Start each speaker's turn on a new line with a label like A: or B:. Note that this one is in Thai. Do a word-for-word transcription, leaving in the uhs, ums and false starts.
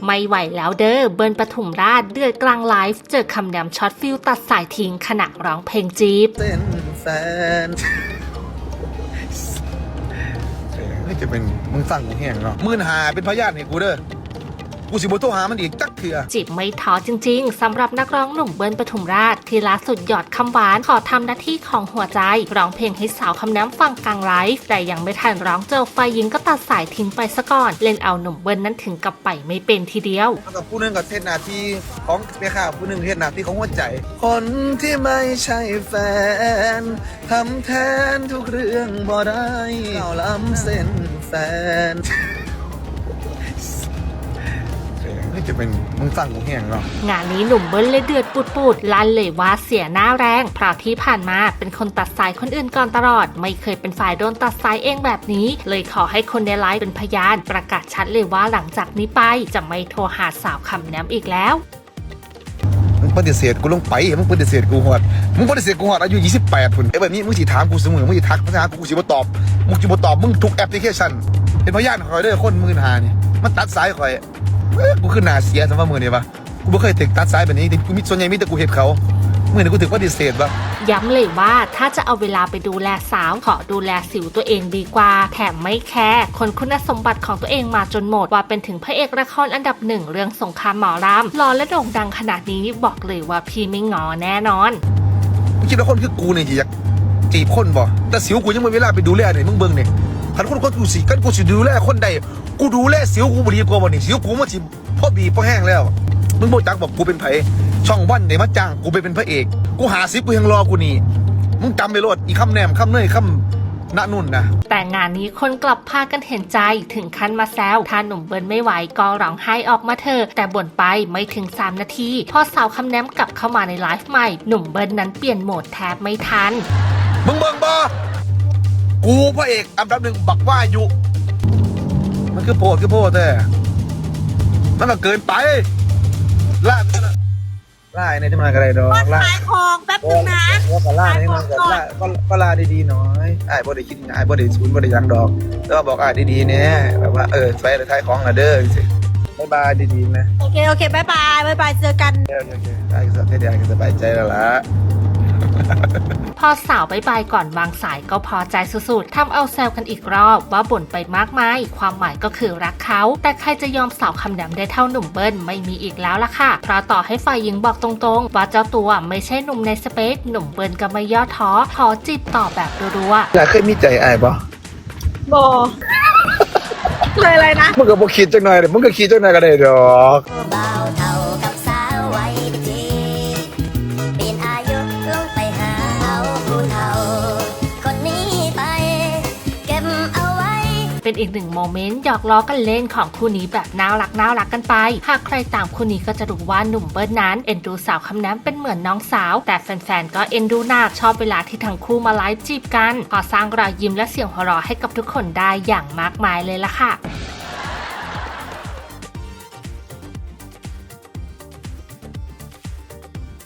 A: ไม่ไหวแล้วเด้อเบิร์นปทุมราชเดือดกลางไลฟ์เจอคำแหนมช็อตฟิลตัดสายทิ้งขณะร้องเพลงจีบ
B: เต้นแฟนนี่จะเป็นมึงสั่งกูแห้งเนาะมื่นหาเป็นพยานให้กูเด้อกูสิบ่โทรหามันอีกจักเถื่อ
A: จีบไม่ท้อจริงๆสำหรับนักร้องหนุ่มเบิร์นปทุมราชที่ล่าสุดหยอดคำหวานขอทำหน้าที่ของหัวใจร้องเพลงให้สาวคำแหนมฟังกลางไลฟ์แต่ยังไม่ทันร้องเจอฝ่ายหญิงก็ตัดสายทิ้งไปซะก่อนเล่นเอาหนุ่มเบิร์นนั้นถึงกับไปไม่เป็นทีเดียว
B: กับผู้นึงกับเทศนาทีของแม่ข้าผู้นึงเทศนาทีของหัวใจคนที่ไม่ใช่แฟนทำแทนทุกเรื่องบ่ได้เก่าล้ำเส้นแฟนจะเป็นมึงสั่งกูแห้งเนาะ
A: งานนี้หนุ่มเบิ้ลเลยเดือดปุดๆลั่นเลยว่าเสียหน้าแรงเพราะที่ผ่านมาเป็นคนตัดสายคนอื่นก่อนตลอดไม่เคยเป็นฝ่ายโดนตัดสายเองแบบนี้เลยขอให้คนในไลฟ์เป็นพยานประกาศชัดเลยว่าหลังจากนี้ไปจะไม่โทรหาสาวคำแหนมอีกแล้ว
B: มึงปฏิเสธกูลงไปมึงปฏิเสธกูหอดมึงปฏิเสธกูหอดอายุยี่สิบแปดพุ่นไอ้แบบนี้มึงสิถามกูเสมอมึงสิทักภาษากูสิบ่ตอบมึงสิบ่ตอบมึงทุกแอปพลิเคชันเป็นพยานคอยเด้อคนมื่นหานี่มันตัดสายคอยกูขึ้นหนาเสียสำหรับมือเนี่ยปะกูไม่เคยถึงตัดซ้ายแบบนี้กูมิส่วนใหญ่มีแต่กูเห็นเขาเมื่อไหร่กูถึงปฏิเสธปะ
A: ย้ำเลยว่าถ้าจะเอาเวลาไปดูแลสาวขอดูแลสิวตัวเองดีกว่าแถมไม่แคร์คนคุณสมบัติของตัวเองมาจนหมดว่าเป็นถึงพระเอกละครอันดับหนึ่งเรื่องสงครามหมอรำหล่อและโด่งดังขนาดนี้บอกเลยว่าพี่ไม่งอแน่นอน
B: มึงคิดว่าคนคือกูเนี่ยจีบจีบคนบ่แต่สิวกูยังไม่เวลาไปดูแลไหนมึงเบิ่งเนี่ยพันคนคนกูสิกันกูสิดูแลคนใดกูดูแลสิวกูบดีกว่าบ่นี่สิวกูมันสิพ่อบีพ่อแห้งแล้วมึงโบจักบอกกูเป็นไผช่องวันไหนมาจ้างกูไปเป็นพระเอกกูหาซิปกูยังรอกูนี่มึงจำไปโลดอีคำแนมคำเนยคำณนุ่นนะ
A: แต่งานนี้คนกลับพากันเห็นใจถึงขั้นมาแซวถ้าหนุ่มเบิร์นไม่ไหวก็ร้องไห้ออกมาเถอะแต่บ่นไปไม่ถึงสามนาทีพอสาวคำแนมกลับเข้ามาในไลฟ์ใหม่หนุ่มเบิร์นนั้นเปลี่ยนโหมดแทบไม่ทัน
B: มึงเบิ่งบ่กูพระเอกอันดับหนึ่งบักว่าอยู่มันคือโพดคือโพดแต่มันก็เกินไปล่าล่าในที่มันอะไรดอก
C: ล่าขายของแป๊บนึงนะ
B: ว่าก็ล่าในที่มันก็ล่าก็ก็ล่าดีๆหน่อยไอ้บ่ได้คิดไอ้บ่ได้ศูนย์บ่ได้ยังดอกแต่ว่าบอกไอ้ดีๆเนี่ยแบบว่าเออไปเลยท้ายของละเด้อสิบ๊ายบายดีๆนะ
C: โอเคโอเคบ๊ายบายบ๊ายบายเจอกัน
B: โอเคโอเคไอ้ก็ให้ได้สบายใจแล้วล่ะ
A: พอสาวไปไปก่อนวางสายก็พอใจสุดๆทำเอาแซวกันอีกรอบว่าบ่นไปมากมายความหมายก็คือรักเขาแต่ใครจะยอมสาวคำแหนมได้เท่าหนุ่มเบิ้ลไม่มีอีกแล้วล่ะค่ะเพราะต่อให้ฝ่ายหญิงบอกตรงๆว่าเจ้าตัวไม่ใช่หนุ่มในสเปคหนุ่มเบิ้ลก็ไม่ย่อท้อขอจีบต่อแบบรัว
B: ๆอยากเคยมีใจไอ้ปะ
C: บอเลยอะไรนะ
B: มึงก็บอกคิดจังหน่อยเดี๋ยวมึงก็คิดจังหน่อยก็ได้ดอก
A: เป็นอีกหนึ่งโมเมนต์หยอกล้อกันเล่นของคู่นี้แบบน่ารักน่ารักกันไปหากใครตามคู่นี้ก็จะรู้ว่าหนุ่มเบิร์นนั้นเอ็นดูสาวคำแหนมเป็นเหมือนน้องสาวแต่แฟนๆก็เอ็นดูหนักชอบเวลาที่ทั้งคู่มาไลฟ์จีบกันพอสร้างรอยยิ้มและเสียงหัวเราะให้กับทุกคนได้อย่างมากมายเลยล่ะค่ะ